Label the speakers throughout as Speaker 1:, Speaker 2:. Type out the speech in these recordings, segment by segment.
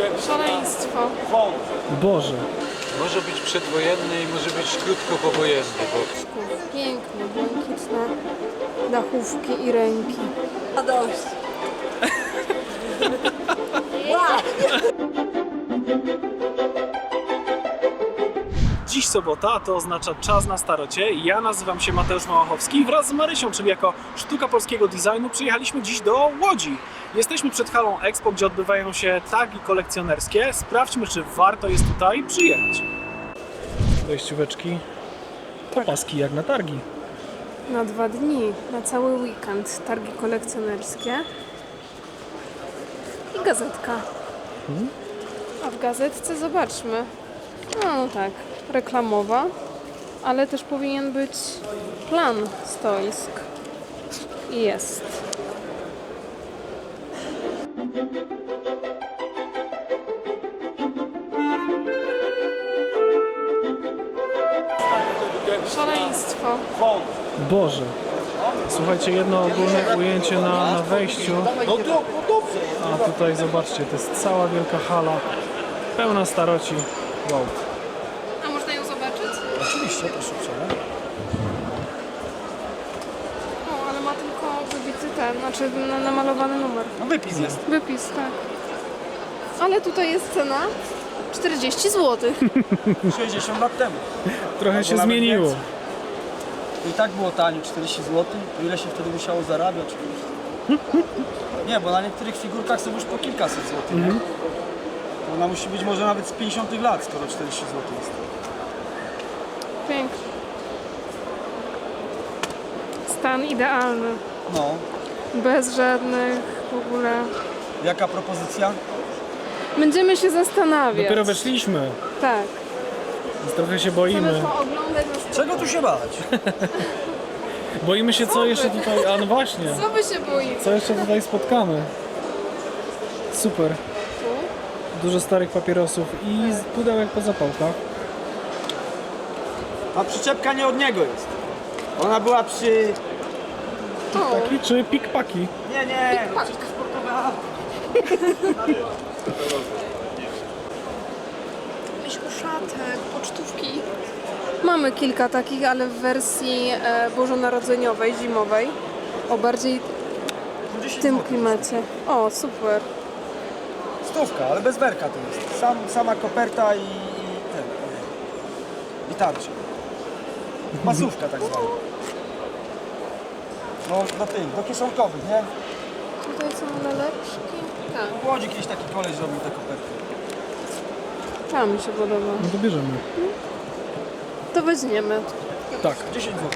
Speaker 1: Szaleństwo.
Speaker 2: Boże.
Speaker 3: Może być przedwojenny i może być krótko powojenny, bo
Speaker 1: Piękne, błękitne dachówki i ręki.
Speaker 4: A dość.
Speaker 2: Dziś sobota, to oznacza czas na starocie. Ja nazywam się Mateusz Małachowski i wraz z Marysią, czyli jako Sztuka Polskiego Designu, przyjechaliśmy dziś do Łodzi. Jesteśmy przed halą Expo, gdzie odbywają się targi kolekcjonerskie. Sprawdźmy, czy warto jest tutaj przyjechać. Wejścióweczki, opaski jak na targi.
Speaker 1: Na 2 dni, na cały weekend targi kolekcjonerskie i gazetka. A w gazetce zobaczmy. No tak, reklamowa, ale też powinien być plan stoisk. I jest. Szaleństwo.
Speaker 2: Boże. Słuchajcie, jedno ogólne ujęcie na wejściu. A tutaj zobaczcie, to jest cała wielka hala, pełna staroci. Wow.
Speaker 1: A można ją zobaczyć?
Speaker 2: Oczywiście, proszę uprzejmie.
Speaker 1: O, ale ma tylko wybity ten, znaczy namalowany numer.
Speaker 2: No wypis jest.
Speaker 1: Wypis, tak. Ale tutaj jest cena 40 zł.
Speaker 5: 60 lat temu.
Speaker 2: Trochę się
Speaker 5: nawet
Speaker 2: zmieniło.
Speaker 5: więcej. I tak było tanio, 40 zł. To ile się wtedy musiało zarabiać? Nie, bo na niektórych figurkach są już po kilkaset złotych, nie? Ona musi być może nawet z 50 lat, skoro 40 zł jest.
Speaker 1: Pięknie. Stan idealny.
Speaker 5: No.
Speaker 1: Bez żadnych w ogóle...
Speaker 5: Jaka propozycja?
Speaker 1: Będziemy się zastanawiać.
Speaker 2: Dopiero weszliśmy,
Speaker 1: Tak.
Speaker 2: więc trochę się
Speaker 1: Chcemy
Speaker 2: boimy.
Speaker 1: pooglądać nas...
Speaker 5: Czego tu się bać?
Speaker 2: Boimy się, co jeszcze tutaj... A no właśnie,
Speaker 1: Co wy się boicie?
Speaker 2: co jeszcze tutaj spotkamy. Super. Dużo starych papierosów i pudełek po zapałkach.
Speaker 5: A przyczepka nie od niego jest. Ona była przy...
Speaker 1: O,
Speaker 2: Taki czy pikpaki?
Speaker 5: Nie,
Speaker 1: Pak.
Speaker 5: przecież to sportowe auto.
Speaker 1: jakiś uszatek, pocztówki. Mamy kilka takich, ale w wersji bożonarodzeniowej, zimowej. O, bardziej w tym klimacie. O, super.
Speaker 5: Stówka, ale bez werka to jest. Sama koperta i ten. I tarcza. Masówka tak zwana. No do tych, do kieszonkowych, nie?
Speaker 1: Tutaj są laleczki. Tak,
Speaker 5: W Łodzi kiedyś taki koleś robił te koperty.
Speaker 1: ta mi się podoba.
Speaker 2: No to bierzemy.
Speaker 1: To weźmiemy.
Speaker 2: Tak.
Speaker 5: 10 zł.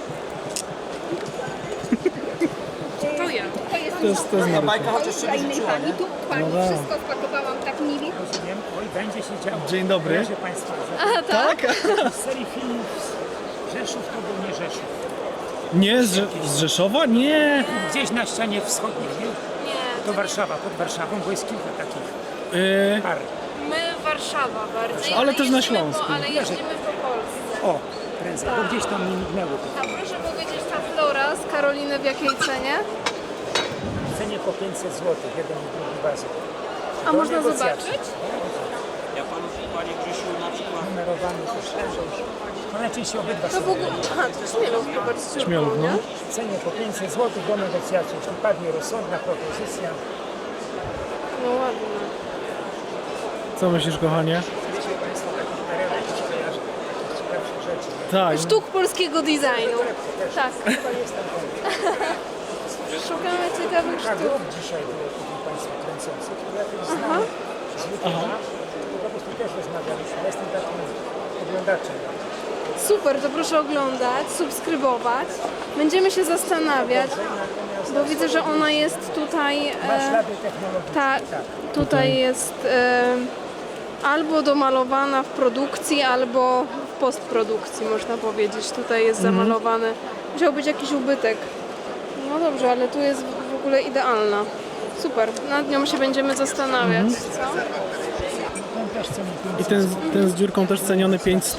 Speaker 1: To ja.
Speaker 2: To jest
Speaker 5: Ta
Speaker 2: Marysia.
Speaker 5: bajka chociaż się wyrzuciła, nie?
Speaker 6: Tu pani
Speaker 2: No tak.
Speaker 6: wszystko wpakowałam tak mili.
Speaker 7: Rozumiem. Oj, będzie się działo.
Speaker 2: Dzień dobry.
Speaker 7: Proszę Państwa,
Speaker 2: Tak?
Speaker 7: z serii filmów z Rzeszów to był nie Rzeszów.
Speaker 2: Nie, z Rzeszowa? Nie.
Speaker 7: Gdzieś na ścianie wschodniej, nie?
Speaker 1: Nie,
Speaker 7: To Warszawa, pod Warszawą, bo jest kilka takich par.
Speaker 1: my Warszawa bardziej.
Speaker 2: Ale też na
Speaker 1: jeździmy
Speaker 2: Śląsku.
Speaker 1: Ale jeździmy po Polsce.
Speaker 7: O, prędzej, bo gdzieś tam mi mignęło to.
Speaker 1: A proszę powiedzieć, ta flora z Karoliny w jakiej cenie?
Speaker 7: W cenie po 500 zł, jeden i drugi wazon.
Speaker 1: A
Speaker 7: Do
Speaker 1: można
Speaker 7: negocjacji.
Speaker 1: zobaczyć?
Speaker 5: Ja panu, panie Grzesiu, na przykład...
Speaker 7: Numerowany też leżą. No najczęściej obydwa
Speaker 1: To
Speaker 7: są
Speaker 1: w ogóle... Aha, to Śmielów, bardzo
Speaker 2: Śmielów, no.
Speaker 7: w cenie po 500 zł do negocjacji. Jeśli padnie rozsądna propozycja,
Speaker 1: No ładne.
Speaker 2: Co myślisz, kochanie?
Speaker 7: wiecie Państwo, takich perełek kojarzę, ciekawszych rzeczy.
Speaker 2: Tak.
Speaker 1: Sztuk polskiego designu. Tak.
Speaker 7: Chyba jest tam ten.
Speaker 1: Szukamy ciekawych
Speaker 7: Tak,
Speaker 1: sztuk.
Speaker 7: rób dzisiaj było tutaj Państwa kręcących. Ja też znam z YouTube'a, to po prostu też rozmawialiśmy. Ja jestem takim oglądaczem.
Speaker 1: Super, to proszę oglądać, subskrybować. Będziemy się zastanawiać, bo widzę, że ona jest tutaj...
Speaker 7: Ma ślady technologiczne.
Speaker 1: Tak, tutaj jest albo domalowana w produkcji, albo w postprodukcji, można powiedzieć. Tutaj jest zamalowany. Musiał być jakiś ubytek. No dobrze, ale tu jest w ogóle idealna. Super, nad nią się będziemy zastanawiać. Co?
Speaker 7: Ten też ceni
Speaker 2: I ten z dziurką też ceniony 500.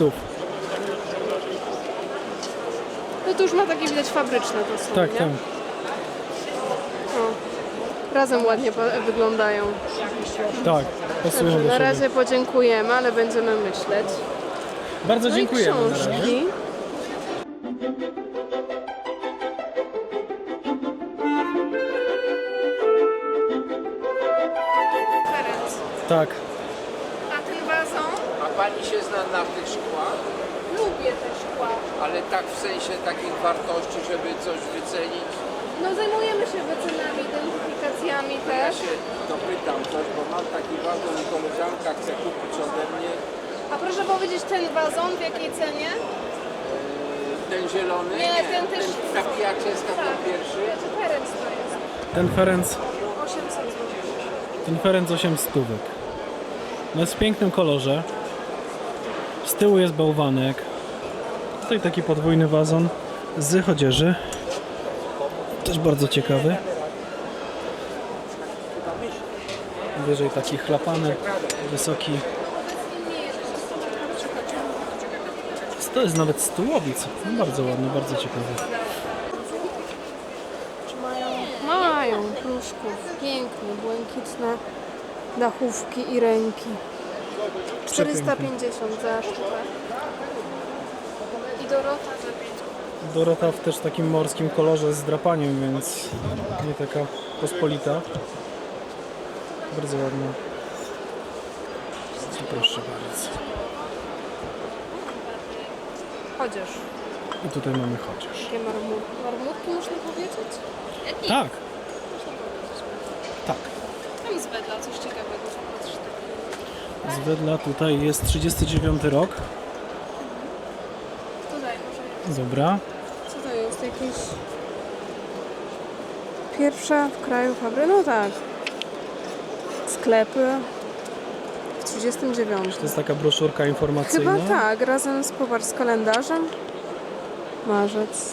Speaker 1: No to już ma takie widać fabryczne to są,
Speaker 2: Tak,
Speaker 1: nie?
Speaker 2: tak.
Speaker 1: O, razem ładnie wyglądają.
Speaker 2: Tak, pasują do
Speaker 1: Na
Speaker 2: siebie.
Speaker 1: razie podziękujemy, ale będziemy myśleć.
Speaker 2: Bardzo
Speaker 1: No i
Speaker 2: dziękujemy na razie.
Speaker 1: książki. Ferenc,
Speaker 2: Tak.
Speaker 1: a ten wazon?
Speaker 4: A pani się zna na tych szkłach?
Speaker 1: Lubię te szkła.
Speaker 4: Ale tak w sensie takich wartości, żeby coś wycenić?
Speaker 1: No zajmujemy się wycenami, identyfikacjami
Speaker 4: Ja
Speaker 1: też.
Speaker 4: się dopytam coś, bo mam taki wazon i koleżanka chce kupić ode mnie.
Speaker 1: A proszę powiedzieć, ten wazon w jakiej cenie?
Speaker 4: Ten zielony?
Speaker 1: Nie, ten też.
Speaker 4: Ta pijaczyska, ten pierwszy.
Speaker 1: Wiecie, Ferenc to jest.
Speaker 2: Ten Ferenc,
Speaker 1: 800 zł.
Speaker 2: ten Ferenc 8 stówek. No jest w pięknym kolorze. Z tyłu jest bałwanek. Tutaj taki podwójny wazon z chodzieży. Też bardzo ciekawy. Wyżej taki chlapany, wysoki. To jest nawet stułowic. No bardzo ładny, bardzo ciekawy.
Speaker 1: Mają pruszków, piękne, błękitne dachówki i ręki. 450 za sztukę. I Dorota za 5.
Speaker 2: Dorota w też takim morskim kolorze z drapaniem, więc nie taka pospolita. Bardzo ładna. Proszę bardzo.
Speaker 1: Chociaż.
Speaker 2: I tutaj mamy chociaż.
Speaker 1: Jakie marmurki. Marmurki można powiedzieć?
Speaker 2: Tak. Tak.
Speaker 1: Tam z Wedla coś ciekawego. Patrz.
Speaker 2: Z Wedla tutaj jest 39 rok.
Speaker 1: Tutaj może.
Speaker 2: Dobra.
Speaker 1: Co to jest? Jakieś... Pierwsza w kraju fabryka? No tak. Sklepy. W 39.
Speaker 2: To jest taka broszurka informacyjna.
Speaker 1: Chyba tak, razem z, popatrz, z kalendarzem. Marzec.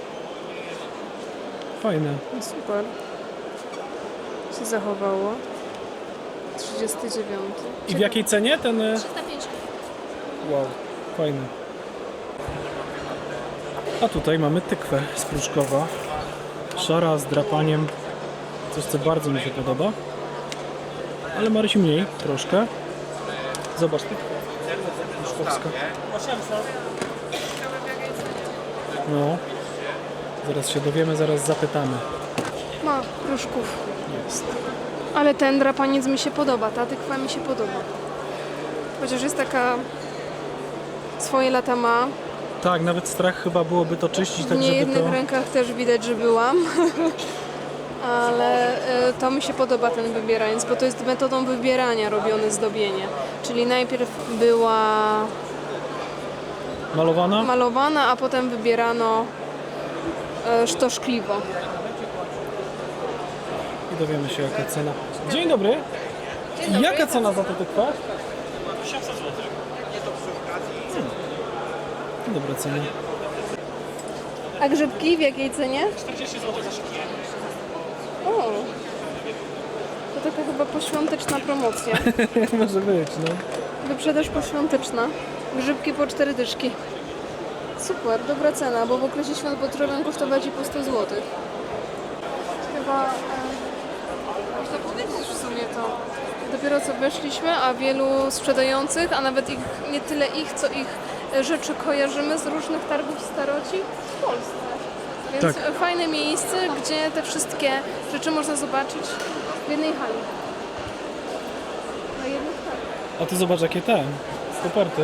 Speaker 2: Fajne.
Speaker 1: No super. Się zachowało. 39.
Speaker 2: I w jakiej cenie ten...
Speaker 1: 350.
Speaker 2: Wow, fajny. A tutaj mamy tykwę z Pruszkowa. Szara z drapaniem. Coś, co bardzo mi się podoba. Ale Marysi mniej, troszkę. Zobacz, tykwę pruszkowska. No. Zaraz się dowiemy, zaraz zapytamy.
Speaker 1: Ma pruszków.
Speaker 2: Jest.
Speaker 1: Ale ten drapaniec mi się podoba, ta tykwa mi się podoba. Chociaż jest taka... Swoje lata ma.
Speaker 2: Tak, nawet strach chyba byłoby to czyścić,
Speaker 1: W
Speaker 2: tak żeby
Speaker 1: niejednych
Speaker 2: to...
Speaker 1: rękach też widać, że byłam. Ale to mi się podoba ten wybieraniec, bo to jest metodą wybierania robione zdobienie. Czyli najpierw była
Speaker 2: Malowana?
Speaker 1: malowana, a potem wybierano sztoszkliwo.
Speaker 2: I dowiemy się, jaka cena. Dzień dobry. Jaka cena za tę tykwę? 800 zł. Dobra cena.
Speaker 1: A grzybki w jakiej cenie?
Speaker 2: 40 zł za szybkie.
Speaker 1: O, to taka chyba poświąteczna promocja.
Speaker 2: Może być, no.
Speaker 1: Wyprzedaż poświąteczna. Grzybki po 4 dyszki. Super, dobra cena, bo w okresie świąt potrafią kosztować i po 100 zł. Chyba można powiedzieć w sumie to. Dopiero co weszliśmy, a wielu sprzedających, a nawet ich, nie tyle ich, co ich rzeczy kojarzymy z różnych targów staroci w Polsce. Więc
Speaker 2: Tak.
Speaker 1: fajne miejsce, gdzie te wszystkie rzeczy można zobaczyć w jednej hali. Na jednych targach.
Speaker 2: A ty zobacz, jakie te koperty.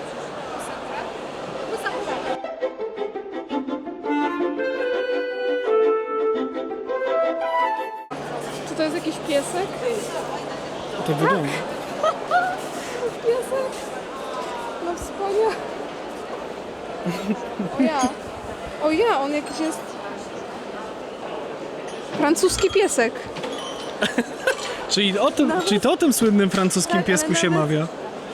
Speaker 1: Czy to jest jakiś piesek?
Speaker 2: To wygląda.
Speaker 1: Piesek? No wspaniale. O ja. O ja, on jakiś jest... Francuski piesek.
Speaker 2: Czyli to o tym słynnym francuskim
Speaker 1: Tak, ale
Speaker 2: piesku się
Speaker 1: nawet-
Speaker 2: mawia.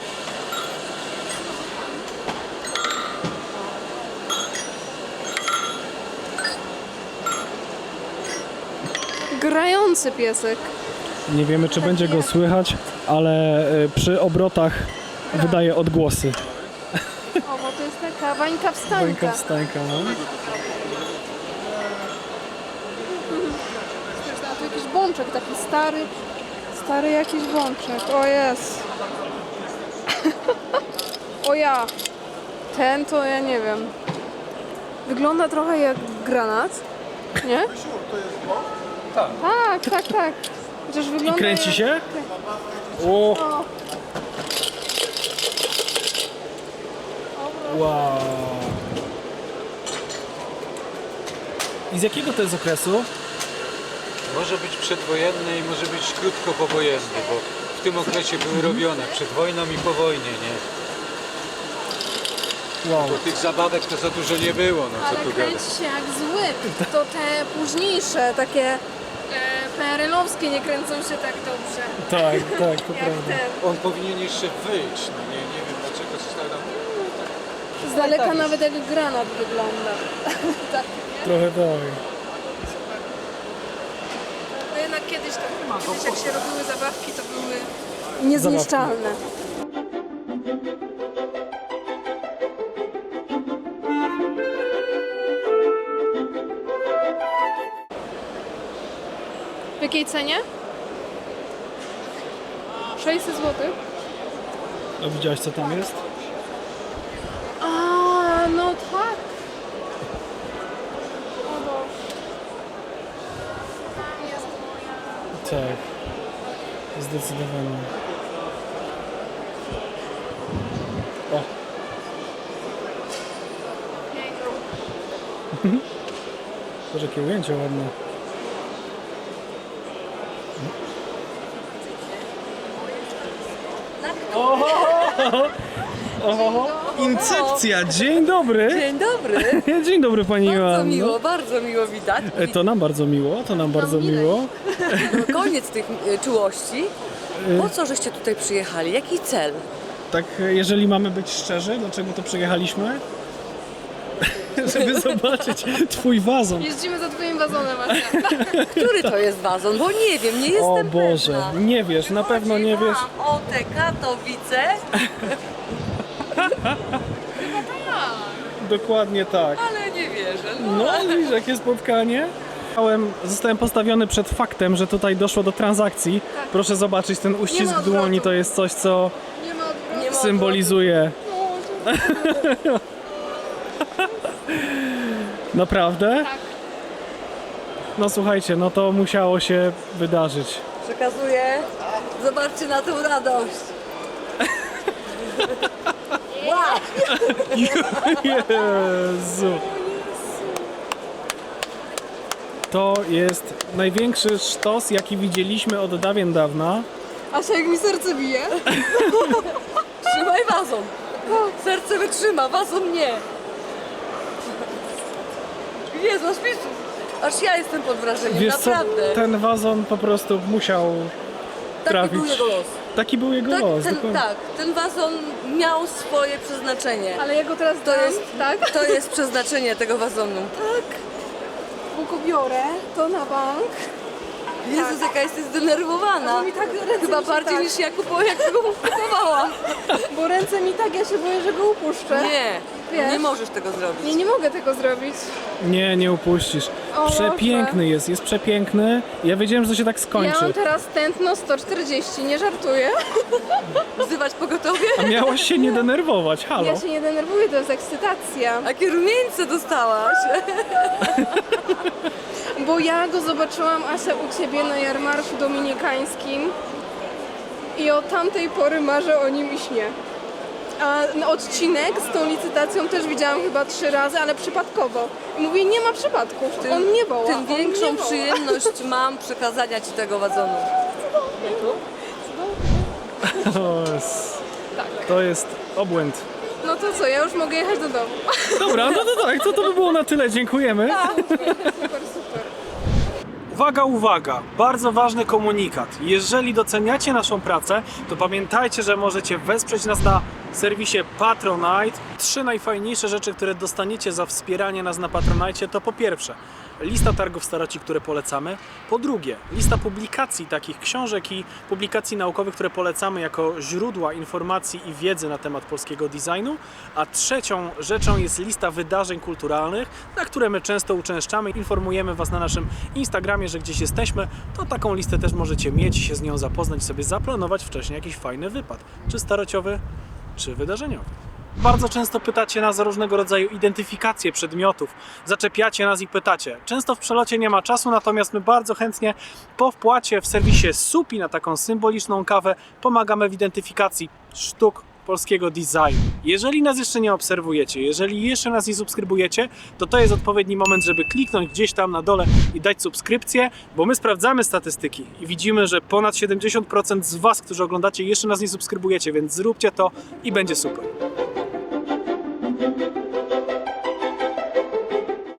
Speaker 1: Grający piesek.
Speaker 2: Nie wiemy, czy będzie go słychać, ale przy obrotach wydaje odgłosy.
Speaker 1: O, bo to jest taka wańka wstańka.
Speaker 2: Bańka wstańka, no.
Speaker 1: A tu jakiś bączek taki stary, Stary jakiś bączek, o jest. O ja. Ten to ja nie wiem. Wygląda trochę jak granat, nie? Tak. Chociaż wygląda
Speaker 2: I kręci
Speaker 1: jak...
Speaker 2: się? O,
Speaker 1: O,
Speaker 2: wow. I z jakiego to jest okresu?
Speaker 3: Może być przedwojenny i może być krótko powojenny, bo w tym okresie były robione przed wojną i po wojnie, nie?
Speaker 2: Wow.
Speaker 3: Bo tych zabawek to za dużo nie było, no co
Speaker 1: ale
Speaker 3: tu gadać.
Speaker 1: kręci się jak zły. To te późniejsze, takie PRL-owskie nie kręcą się tak dobrze.
Speaker 2: Tak, to
Speaker 1: Jak ten.
Speaker 3: On powinien jeszcze wyjść, no nie wiem dlaczego został tam.
Speaker 1: Z daleka nawet jak granat wygląda. Tak.
Speaker 2: trochę tak.
Speaker 1: No jednak kiedyś jak się robiły zabawki, to były niezniszczalne. W jakiej cenie? 600 zł.
Speaker 2: A widziałaś co tam jest?
Speaker 1: A, no tak. O Boże. Tam jest moja.
Speaker 2: Tak. Zdecydowanie. O, zobacz jakie ujęcie ładne. Oho, incepcja, dzień dobry.
Speaker 6: Dzień dobry.
Speaker 2: Dzień dobry pani Joanno.
Speaker 6: Bardzo miło widać.
Speaker 2: To nam bardzo miło, to nam bardzo miło.
Speaker 6: Koniec tych czułości. Po co żeście tutaj przyjechali? Jaki cel?
Speaker 2: Tak, jeżeli mamy być szczerzy, dlaczego to przyjechaliśmy? Żeby zobaczyć twój wazon.
Speaker 1: Jeździmy za twoim wazonem, Asia.
Speaker 6: Który to jest wazon? Bo nie wiem, nie jestem
Speaker 2: O Boże,
Speaker 6: pewna.
Speaker 2: nie wiesz, na pewno nie wiesz.
Speaker 6: O te Katowice.
Speaker 2: Dokładnie tak.
Speaker 6: Ale nie wierzę.
Speaker 2: No, widzisz, jakie spotkanie. Zostałem postawiony przed faktem, że tutaj doszło do transakcji. Proszę zobaczyć, ten uścisk
Speaker 1: ma odwrotu.
Speaker 2: dłoni to jest coś, co
Speaker 1: Nie ma odwrotu.
Speaker 6: Nie ma
Speaker 2: symbolizuje. Naprawdę?
Speaker 1: Tak.
Speaker 2: No słuchajcie, no to musiało się wydarzyć.
Speaker 6: Przekazuję. Zobaczcie na tę radość. Wow.
Speaker 2: Jezu. To jest największy sztos, jaki widzieliśmy od dawien dawna.
Speaker 1: Asia, jak mi serce bije.
Speaker 6: Trzymaj wazon. Serce wytrzyma, wazon nie. Jezu, aż mi- aż ja jestem pod wrażeniem,
Speaker 2: Wiesz co,
Speaker 6: naprawdę.
Speaker 2: ten wazon po prostu musiał
Speaker 6: Taki
Speaker 2: trafić.
Speaker 6: był jego los.
Speaker 2: Taki był jego los, dokładnie.
Speaker 6: Ten wazon miał swoje przeznaczenie.
Speaker 1: Ale ja go teraz
Speaker 6: To
Speaker 1: dam,
Speaker 6: jest,
Speaker 1: tak?
Speaker 6: to jest przeznaczenie tego wazonu.
Speaker 1: Bo go biorę, to na bank.
Speaker 6: Jezus, jaka jesteś zdenerwowana.
Speaker 1: Bo mi tak ręce
Speaker 6: Chyba
Speaker 1: mi się
Speaker 6: bardziej
Speaker 1: tak,
Speaker 6: niż ja jak go kupowałam.
Speaker 1: bo ręce mi tak, ja się boję, że go upuszczę.
Speaker 6: Nie,
Speaker 1: Wiesz?
Speaker 6: nie możesz tego zrobić.
Speaker 1: Nie mogę tego zrobić.
Speaker 2: Nie, nie upuścisz.
Speaker 1: O,
Speaker 2: Przepiękny jest przepiękny. Ja wiedziałem, że to się tak
Speaker 1: Ja
Speaker 2: skończy.
Speaker 1: mam teraz tętno 140, nie żartuję.
Speaker 6: Wzywać pogotowie?
Speaker 2: A miałaś się nie denerwować, halo.
Speaker 1: Ja się nie denerwuję, to jest ekscytacja.
Speaker 6: Jakie rumieńce dostałaś?
Speaker 1: Bo ja go zobaczyłam, Asia, u Ciebie na jarmarku dominikańskim i od tamtej pory marzę o nim i śnię. A odcinek z tą licytacją też widziałam chyba 3 razy, ale przypadkowo. I mówię, nie ma przypadków, on mnie woła.
Speaker 6: Tym
Speaker 1: on
Speaker 6: większą
Speaker 1: mnie woła.
Speaker 6: przyjemność mam przekazania Ci tego wazonu.
Speaker 2: To jest obłęd.
Speaker 1: No to co, ja już mogę jechać do domu.
Speaker 2: Dobra, no to tak, to by było na tyle. Dziękujemy.
Speaker 1: Super, super.
Speaker 2: Uwaga, uwaga! Bardzo ważny komunikat. Jeżeli doceniacie naszą pracę, to pamiętajcie, że możecie wesprzeć nas na serwisie Patronite. 3 najfajniejsze rzeczy, które dostaniecie za wspieranie nas na Patronite, to po pierwsze lista targów staroci, które polecamy. Po drugie, lista publikacji takich książek i publikacji naukowych, które polecamy jako źródła informacji i wiedzy na temat polskiego designu. A trzecią rzeczą jest lista wydarzeń kulturalnych, na które my często uczęszczamy. Informujemy Was na naszym Instagramie, że gdzieś jesteśmy. To taką listę też możecie mieć, się z nią zapoznać, sobie zaplanować wcześniej jakiś fajny wypad. Czy starociowy, czy wydarzeniowy. Bardzo często pytacie nas o różnego rodzaju identyfikacje przedmiotów. Zaczepiacie nas i pytacie. Często w przelocie nie ma czasu, natomiast my bardzo chętnie po wpłacie w serwisie Supi na taką symboliczną kawę pomagamy w identyfikacji sztuk polskiego designu. Jeżeli nas jeszcze nie obserwujecie, jeżeli jeszcze nas nie subskrybujecie, to jest odpowiedni moment, żeby kliknąć gdzieś tam na dole i dać subskrypcję, bo my sprawdzamy statystyki i widzimy, że ponad 70% z Was, którzy oglądacie, jeszcze nas nie subskrybujecie, więc zróbcie to i będzie super.